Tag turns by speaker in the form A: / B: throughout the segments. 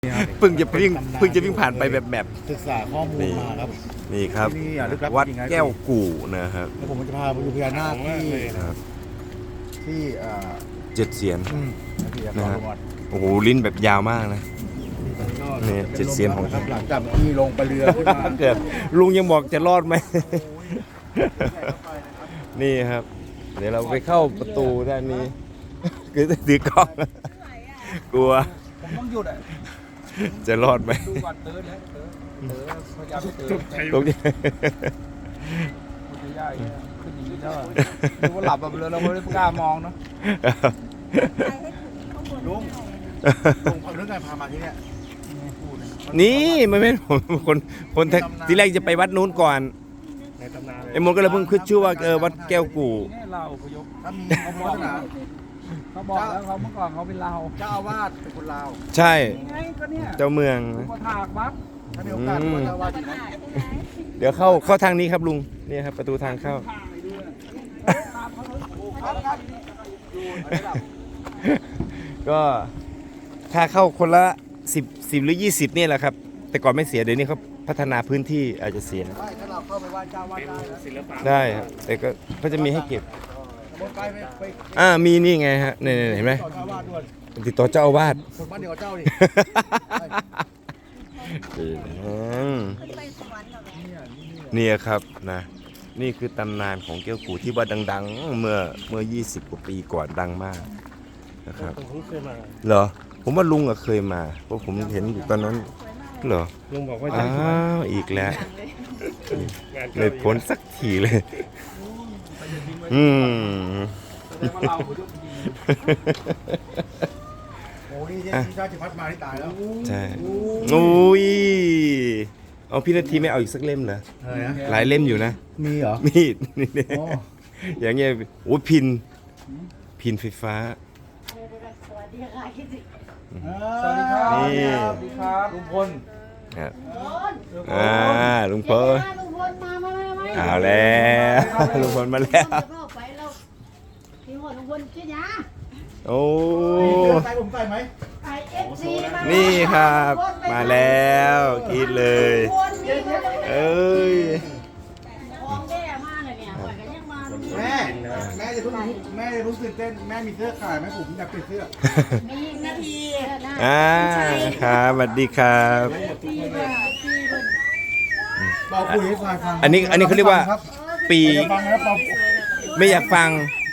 A: เพิ่งจะวิ่งผ่านไปแบบ
B: ศึกษาข้อมูลมาครับ
A: นี่ครับ
B: ที่นี่ลึกลับ
A: วัด
B: จริงๆนะ
A: แก้วกู่นะครับ
B: แล้วผมจะพาไปดูพญานาคที่
A: เจ็ดเสียน
B: ที่
A: นะฮะ
B: จังหวัด
A: โอ้โหลิ้นแบบยาวมากนะนี่เจ็ดเสียนของ
B: ครับหลังจากที่ลงไปเรือขึ้นมา
A: เกิดลุงยังบอกจะรอดไหม นี่ครับ เดี๋ยวเราไปเข้าประตูด้านนี้คือถือกล้องกลัว
C: ผมต้องหยุดอ่ะ
A: จะรอดไหม
C: ดูก่อนเติร์ดนะเติร์ดพยายามเติร์ด
A: ตรงนี้
C: มันจะยากขึ้นอย่างนี้แล้วดูว่าหลับแบบเลยเราไม่ได้กล้ามองเนาะ
B: ลุงเอาเรื่องการพามาที่เนี่ย
A: นี่ไม่เป็นคนที่แรกจะไปวัดนู้นก่อน
B: ในตำนานเลย
A: ไอ้มนก็เลยเพิ่งขึ้นชื่อว่าวัดแก้วกู่
C: นี่เราพยพ
B: ถ้ามีเขาบอกนะ
C: เขาบอกแล้วเขาเมื่อก่อนเขาเป็นเรา
B: เจ้าอาวาสเป็นคนลาว
A: ใช่
C: ไงก็เนี่ย
A: เจ้าเมือง
C: อุปถากวัด
B: ถ้ามีโอกาสก็เจ้าอาวาสอีกนะ
A: เดี๋ยวเข้าทางนี้ครับลุงนี่ครับประตูทางเข้า ก็ค่าเข้าคนละ10หรือ20นี่แหละครับ แต่ก่อนไม่เสียเดี๋ยวนี้เขาพัฒนาพื้นที่อาจจะเสีย
B: ได้ถ้าเราเข้าไปไหว้เจ้าอาวาสได้นะศิลปะ
A: ได้ครับแต่ก็เขาจะมีให้เก็บ
B: ไป
A: มีนี่ไงฮะนี่เห็นไหม
B: ต่อเจ้าอาวาสด้วย
A: ติดต่อเจ้าอาวาส
B: คนบ้านเดียวกับเจ้าดิ
A: นี่ครับนะนี่คือตำนานของแก้วกู่ที่ว่าดังๆ เมื่อ20กว่าปีก่อนดังมากนะครับ
B: ผมเคยมา
A: เหรอผมว่าลุงอะเคยมาเพราะผมเห็นอยู่ตอนนั้นเหรอ
B: ลุงบอกว่า
A: อ้าวอีกแล้วไม่พ้นสักทีเลยอืม
C: แสดงว่าเราพยพจริง
B: โอ้นี่ที่ชาติพัฒน์มาที่ตายแล้ว
A: ใช่อุ้ยเอาพี่นาทีไม่เอาอีกสักเล่มเหรอ
B: อะไรนะ
A: หลายเล่มอยู่นะ
B: มีเหรอ
A: มีดนี่
B: อ๋อ
A: อย่างเงี้ยโอ้ยพินไฟฟ้า
C: สวัสดีครับ
A: นี่
C: สวัสดีครับลุงพล
A: ครับลุงพล
D: ลุงพลมา
A: เอาแล้วลุงพลมาแล้ว
D: เข้าไปแล้วพี่หัวลุงพลชื่อยา
A: โอ้
B: ใส่ผมใส่ไหม
D: ไอเอฟซีมา
A: นี่ครับมาแล้วกรีดเลย เอ้ย
D: ของแม่มาเลยเนี่ยปล่อยกันยังมา
B: แม่จะเพิ่งตื่นเต้นแม่มีเสื้อขายไหมผมอยากเปลี่ยนเสื้อ
D: มีนาที
A: ครับสวัสดีครับ
B: เบาคุยให้ฟัง
A: อันนี้เขาเรียกว่า ปี
B: ฟังนะครับเบา
A: ไม่อยากฟัง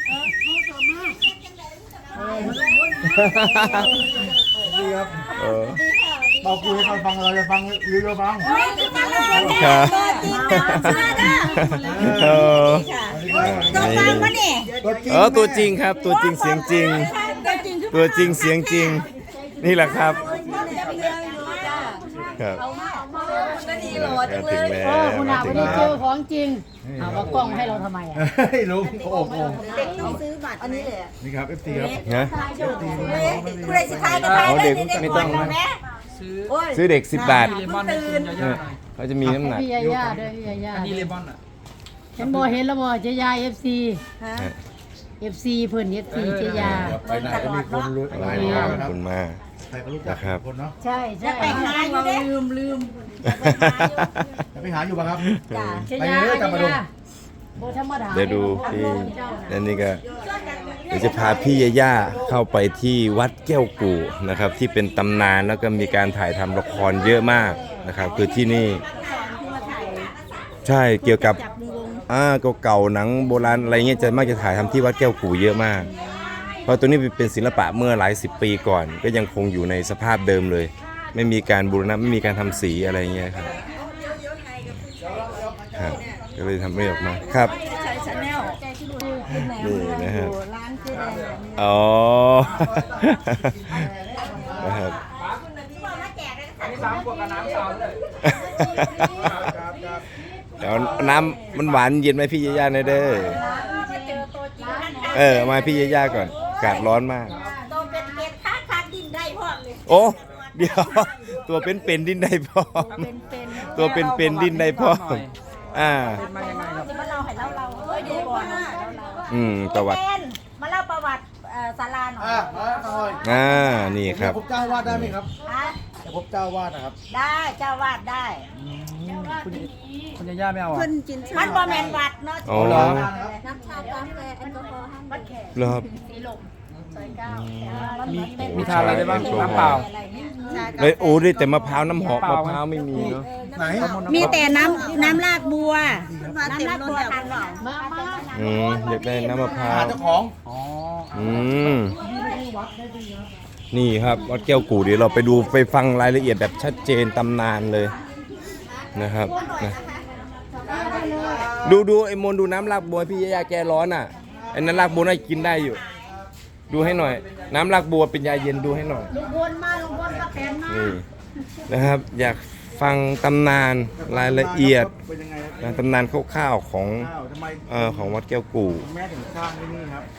B: ดีครับ
A: เออ
B: เบาคุยให้ฟังเราจะฟังหรือเราฟัง
A: ครับเออ
B: ตัวจริง
A: ตัวจริงครับ ตัวจริงเสียงจริง ตัวจริงเสียงจริง นี่แหละครับครับถึงแล้ว
D: คุณอาวันนี้เจอของจริงเอาว่ากล้องให้เราทำไมอ่ะ
B: เฮ้ยลุงโอ้โห
E: เด็กต้องซื้อบัตรอันนี้เลย
B: นี่ครับ FC ครับ
A: นะ
E: คุณได้สิทายก็ทาย
A: เด็กไม่ต้อง
C: ซื้อ
A: ซื้อเด็ก10 บาท
C: เลมอนให้คุณยาย่าหน่อย
A: เขาจะมีน้ำหนัก
D: พี่ยาย่าด้วยพี่ยาย่า
C: อันนี้เลมอนอ่ะ
D: เห็นบ่เห็นแล้วบ่เจยาเอฟซีเอฟซีเพิ่นเอฟซีเจยา
B: ไปไหนก็มีคนรู้หลาย
A: ข
B: ค
A: อบ
B: รับ
A: คุณมาก
B: ใครก็รู้จักคนเนาะ
D: ใช่ใช่
E: ไปหาอยู่เด้ลืม
B: ไปหาอยู่ป่ะครับ
E: จ้า
D: เจยาเจยาโบธรรมดา
A: เดี๋ยวดูพี่นั่นนี่ก็เดี๋ยวจะพาพี่ยาย่าเข้าไปที่วัดแก้วกู่นะครับ ที่เป็นตำนานแล้วก็มีการถ่ายทำละครเยอะมากนะครับคือที่นี่ใช่เกี่ยวกับ
E: จับมือลง
A: เก่าๆหนังโบราณอะไรเงี้ยจะมักจะถ่ายทำที่วัดแก้วกู่เยอะมาก เพราะตัวนี้เป็นศิลปะเมื่อหลาย10 ปีก่อน ก็ยังคงอยู่ในสภาพเดิมเลย ไม่มีการบูรณะไม่มีการทำสีอะไรเงี้ยครับครับก็เลยทำไม่ออกมาครับ
E: ใช้ชาแนลเป็นแหนม
A: นี่นะครับ
E: ร้านคือแหนม
A: อ๋อ นะครับ
C: อันนี้3 ขวดกับน้ำเปล่าเลย
A: เดี๋ยวน้ำมันหวานเย็นไหมพี่ย่าๆหน่อยเด้อมาพี่ย่าๆก่อนอากาศร้อนมาก
E: ตัวเป็นเกล็ดค้าดินได้พร้อมเลย
A: โอ้เดี๋ยวตัวเป็นดินได้พร้อมตัวเป็นดินได้พร้อม
C: เป็นมายังไงครับ
E: มาเล่าให้เราดูก่อน
A: ประวัติ
E: มาเล่าประวัติศาลาหน่อย
B: มาหน่อย
A: นี่ครับ
B: ผมจ้างวาดได้ไหมครับ
E: ฮะ
B: จะพบเจ้าวาดนะครับ
E: ได้เจ้าวาดได้
C: คุณย่าไม่เอาอ่ะ
E: มันบ่แม่นวัดเนาะ
A: อ๋อ
C: เหรอ
E: น้ำชากาแฟแอลกอฮอล์วัดแขก
A: เหรอครับ
E: สีลมซอยเก้า
C: มีทานอะไรได้บ้างน้ำเปล่า
E: อะไรเงี้ย
A: เลยโอ้ได้แต่มะพร้าวน้ำหอมมะพร้าวไม่มีเนาะ
B: ไหน
E: มีแต่น้ำรากบัวน้ำรากบัวทานหน่อย
A: อยากได้น้ำมะพร้า
B: หาว เจ้าของ
C: อ๋อ
A: นี่ครับวัดแก้วกู่เดี๋ยวเราไปดูไปฟังรายละเอียดแบบชัดเจนตำนานเลยนะครับนะดูไอ้มนต์ดูน้ำรากบัวพี่ยาแกร้อนอ่ะไอ้นั้นรากบัวน่ากินได้อยู่ ดูให้หน่อย น้ำรากบัวเป็นยาเย็นดูให้หน่อย
D: ลุงพลมาแตนมา
A: นี่นะครับ อยากฟังตำนานรายละเอียด
B: เป็นยังไงครับ
A: นะตำนานคร่าวๆของ
B: อ้าวทำไม
A: ของวัดแก้วกู่
B: แม่ถึงสร้างที่นี่ครับ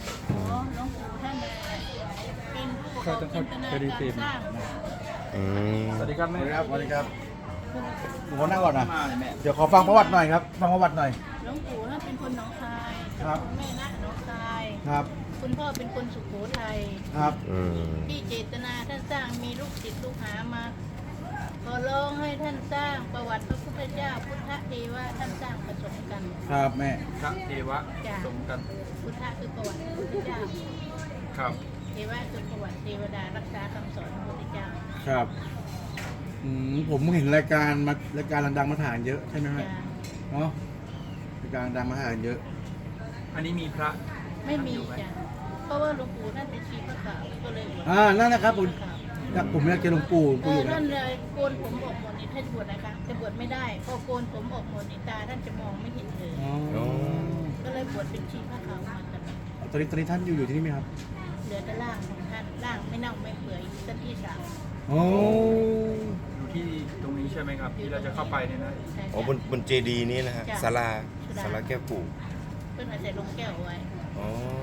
C: เขาต้องเขาเคยดีเต็ม
A: อืม
C: สวัสดีครับ
B: ส
C: แม่
B: วัสดีครับหนูนั่งก่อนนะเดี๋ยวขอฟังประวัติหน่อยครับ ฟังประวัติหน่อย
F: หลวงปู่ท่านเป็นคนหนองคาย
B: ครับ
F: แม่นะหนองคาย
B: ครับ
F: คุณพ่อเป็นคนสุโขทัย
B: ครับ
A: อืม
F: ที่เจตนาท่านสร้างมีลูกศิษย์ลูกหามาขอร้องให้ท่านสร้างประวัติพระพุทธเจ้าพุทธเทวะท่านสร้างผสมกัน
B: ครับแม่
C: พระเทวะ
F: จ้ะ
C: สมกัน
F: พุทธคือประวัติพระพุทธเจ้า
C: ครับ
F: เทวะคือประวัติเทวดารักษาคำสอนพระพุทธเจ้า
B: ครับผมเห็นรายการดังๆมาถ่ายเยอะใช่ไหมแม่
F: จ้ะ
B: เนาะรายการดังมาถ่ายเยอะ
C: อันนี้มีพระ
F: ไม่มีจ้ะเพราะว่าหลวงปู่ท่านเป็นชีพระขาวก็เลย
B: นั่นนะครับผมอยากเจอหลวงปู่อยู่นะ
F: ท่านเลยโกนผมออกหมดนี่ท่านบวชนะคะจะบวชไม่ได้พอโกนผมออกหมดนี่ตาท่านจะมองไม่เห็นเลย
B: อ๋อ
F: ก็เลยบวชเป็นชีพระขาวมาตลอด
B: ตอนนี้ท่านอยู่ที่นี่ไหมครับ
F: เหลือแต่ร่างของท่านร่างไม่เน่าไม่เปื่อยท่านที่สาม
B: โอ้
C: อยู่ที่ตรงนี้ใช่ไหมครับ ที่เราจะเข้าไปเนี่ยนะ
F: ใช่
A: อ๋อบนเจดีย์นี้นะฮะศาลาแก้วกู่
F: เพื่อนเอาใส่ลงแก้วไว้
A: อ๋อ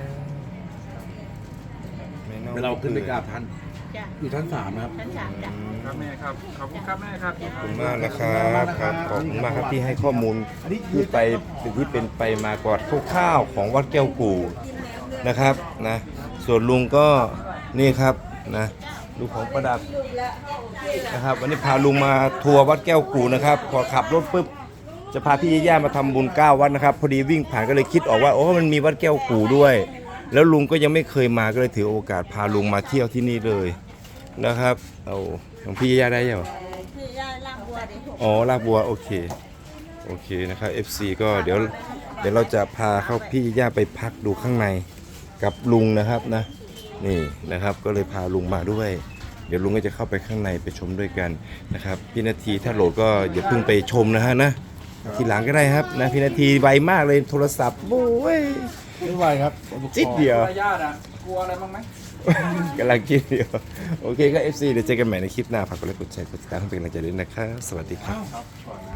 A: ไม่น่
B: เราขึ้นไปกราบท่าน
F: จ้ะ
B: อยู่ชั้น3นะครับ
F: ชั้นสามจ้ะ
C: ครับแม่ครับ ขอบคุณครับแม่ครับ
A: ขอบคุณมากนะครับครับขอบคุณมากครับที่ให้ข้อมูลที่เป็นไปมากอดคร่าวๆของวัดแก้วกู่นะครับนะส่วนลุงก็นี่ครับนะดูของประดับนะครับวันนี้พาลุงมาทัวร์วัดแก้วกู่นะครับพอขับรถปุ๊บจะพาพี่ย่ามาทำบุญ9วัดนะครับพอดีวิ่งผ่านก็เลยคิดออกว่าโอ้มันมีวัดแก้วกู่ด้วย แล้วลุงก็ยังไม่เคยมาก็เลยถือโอกาสพาลุงมาเที่ยวที่นี่เลยนะครับเอาของพี่ย่าได้ยัง
E: คือย่าล่างบัวดิ
A: อ๋อลากบัวโอเคนะครับ FC ก็เดี๋ยวเราจะพาเข้าพี่ย่าไปพักดูข้างในกับลุงนะครับนะนี่นะครับก็เลยพาลุงมาด้วย เดี๋ยวลุงก็จะเข้าไปข้างในไปชมด้วยกันนะครับพี่นาทีถ้าโหลดก็อย่าเพิ่งไปชมนะฮะนะทีหลังก็ได้ครับนะพี่นาทีไวมากเลยโทรศัพท์โอ้ย
B: ไม่ไหวครับ
A: จิตเดียว
C: ญาติอ่ะ กลัวอะไรบ้างไหม
A: กำลังคิดอยู่โอเคก็ FC เดี๋ยวเจอกันใหม่ในคลิปหน้าฝากกดไลค์กดแชร์กดติดตามให้เป็นกำลังใจด้วยนะครับสวัสดีครับ